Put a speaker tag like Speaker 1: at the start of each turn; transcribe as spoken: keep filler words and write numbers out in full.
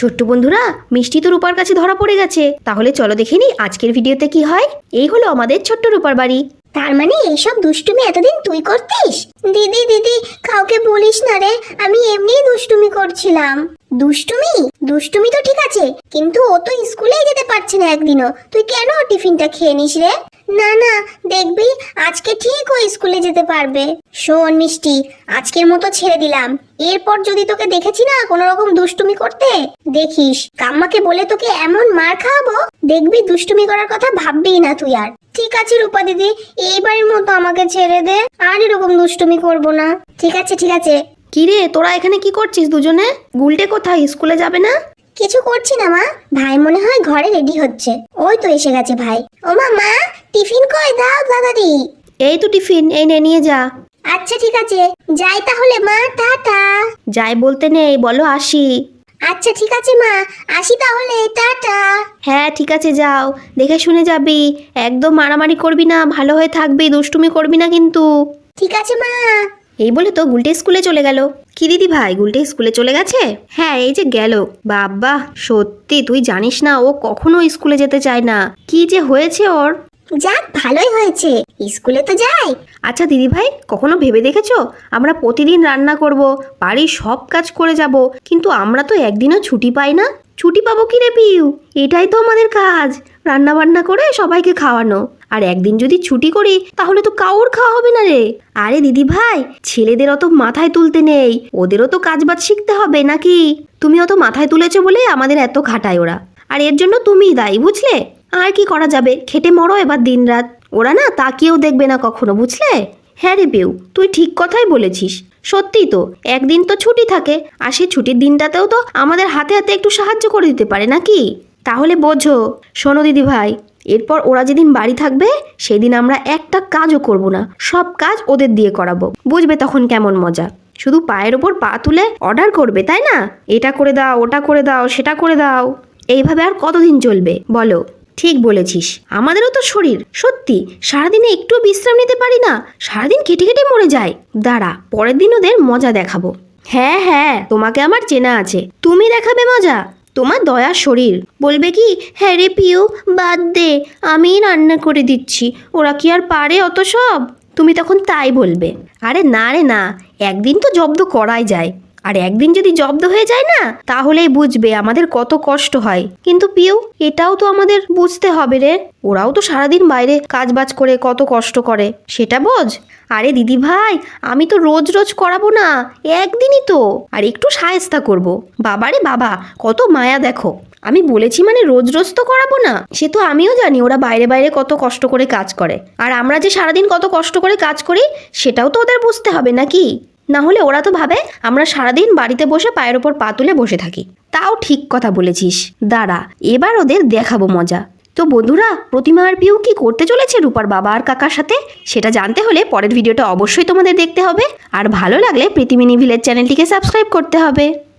Speaker 1: ছোট্ট বন্ধুরা, মিষ্টি তো রূপার কাছে ধরা পড়ে গেছে। তাহলে চলো দেখে নি আজকের ভিডিওতে কি হয়। এই হলো আমাদের ছোট্ট রূপার বাড়ি।
Speaker 2: তার মানে এইসব দুষ্টুমি এতদিন তুই করতিস? দিদি দিদি কাউকে বলিস না রে, আমি এমনিই দুষ্টুমি করছিলাম। দুষ্টুমি দুষ্টুমি তো ঠিক আছে, কিন্তু ও তো স্কুলেই যেতে পারছে না একদিনও। তুই কেন ওর টিফিনটা খেয়ে নিস রে? না না, দেখবি আজকে ঠিক ও স্কুলে যেতে পারবে। শোন মিষ্টি, আজকের মতো ছেড়ে দিলাম। এরপর যদি তোকে দেখেছি না কোনো রকম দুষ্টুমি করতে, দেখিস কাম্মাকে বলে তোকে এমন মার খাওয়াবো, দেখবি দুষ্টুমি করার কথা ভাববি না তুই আর। ঠিক আছে রূপা দিদি, এইবারের মতো আমাকে ছেড়ে দে, আর এরকম দুষ্টুমি করব না। ঠিক আছে ঠিক আছে।
Speaker 1: কি রে, তোরা এখানে কি করছিস দুজনে? গুলটে কোথায়, স্কুলে যাবে না?
Speaker 2: কিছু করছি না মা, ভাই মনে হয় ঘরে রেডি হচ্ছে। ওই তো এসে গেছে ভাই। ও মা মা, টিফিন কই দাও দাদাদি।
Speaker 1: এই তো টিফিন, এই নে নিয়ে যা।
Speaker 2: আচ্ছা ঠিক আছে, যাই তাহলে মা, টাটা।
Speaker 1: যাই বলতে নেই, বলো আসি।
Speaker 2: আচ্ছা ঠিক আছে মা, আসি তাহলে, টাটা।
Speaker 1: হ্যাঁ ঠিক আছে, যাও, দেখে শুনে যাবি। একদম মারামারি করবি না, ভালো হয়ে থাকবি, দুষ্টুমি করবি না কিন্তু।
Speaker 2: ঠিক আছে মা।
Speaker 1: এই বলে তো গুলটে স্কুলে চলে গেল। কি দিদি ভাই, গুলটে স্কুলে চলে গেছে? হ্যাঁ এই যে গেল। বাবা সত্যি তুই জানিস না, ও কখনো স্কুলে যেতে চায় না। কি যে হয়েছে ওর।
Speaker 2: যাক ভালোই হয়েছে, স্কুলে তো যাই।
Speaker 1: আচ্ছা দিদি ভাই, কখনো ভেবে দেখেছো আমরা প্রতিদিন রান্না করব, বাড়ির সব কাজ করে যাব, কিন্তু আমরা তো একদিনও ছুটি পাই না। ছুটি পাবো কি রে পিউ? এটাই তো আমাদের কাজ, রান্না বান্না করে সবাইকে খাওয়ানো। আর একদিন যদি ছুটি করি তাহলে তো কাউর খাওয়া হবে না রে। আরে দিদি ভাই, ছেলেদের অত মাথায় তুলতে নেই, ওদেরও তো কাজবাজ শিখতে হবে নাকি? তুমি অত মাথায় তুলেছো বলে আমাদের এত খাটায় ওরা, আর এর জন্য তুমিই দায়ী, বুঝলে? আর কি করা যাবে, খেটে মরো এবার দিনরাত। ওরা না তাকিয়েও দেখবে না কখনো, বুঝলে? হ্যাঁ রে পিউ, তুই ঠিক কথাই বলেছিস। সত্যিই তো, একদিন তো ছুটি থাকে, আর সেই ছুটির দিনটাতেও তো আমাদের হাতে হাতে একটু সাহায্য করে দিতে পারে নাকি? তাহলে বোঝো। শোনো দিদি ভাই, এরপর ওরা যেদিন বাড়ি থাকবে সেদিন আমরা একটা কাজও করব না, সব কাজ ওদের দিয়ে করাবো, বুঝবে তখন কেমন মজা। শুধু পায়ের ওপর পা তুলে অর্ডার করবে, তাই না? এটা করে দাও, ওটা করে দাও, সেটা করে দাও। এইভাবে আর কতদিন চলবে বলো? ঠিক বলেছিস, আমাদেরও তো শরীর, সত্যি সারাদিনে একটু বিশ্রাম নিতে পারি না, সারাদিন কেটে কেটে মরে যায়। দাঁড়া, পরের দিন ওদের মজা দেখাবো। হ্যাঁ হ্যাঁ, তোমাকে আমার চেনা আছে, তুমি দেখাবে মজা। তোমার দয়ার শরীর বলবে কি, হ্যাঁ রে পিউ বাদ দে, আমি রান্না করে দিচ্ছি, ওরা কি আর পারে অত সব? তুমি তখন তাই বলবে। আরে না রে না, একদিন তো জব্দ করাই যায়, আর একদিন যদি জব্দ হয়ে যায় না, তাহলেই বুঝবে আমাদের কত কষ্ট হয়। কিন্তু পিউ, এটাও তো আমাদের বুঝতে হবে রে, ওরাও তো সারাদিন বাইরে কাজবাজ করে কত কষ্ট করে, সেটা বোঝ। আরে দিদি ভাই, আমি তো রোজ রোজ করাবো না, একদিনই তো, আর একটু সায়স্তা করব। বাবারে বাবা, কত মায়া দেখো। আমি বলেছি মানে রোজ রোজ তো করাবো না, সে তো আমিও জানি ওরা বাইরে বাইরে কত কষ্ট করে কাজ করে, আর আমরা যে সারাদিন কত কষ্ট করে কাজ করি সেটাও তো ওদের বুঝতে হবে নাকি? না হলে ওরা তো ভাবে আমরা সারাদিন বাড়িতে বসে পায়ের ওপর পা তুলে বসে থাকি। তাও ঠিক কথা বলেছিস, দাঁড়া এবার ওদের দেখাবো মজা। তো বন্ধুরা, প্রতিমা আর পিউ কি করতে চলেছে রূপার বাবা আর কাকার সাথে, সেটা জানতে হলে পরের ভিডিওটা অবশ্যই তোমাদের দেখতে হবে। আর ভালো লাগলে প্রীতি মিনি ভিলেজ চ্যানেলটিকে সাবস্ক্রাইব করতে হবে।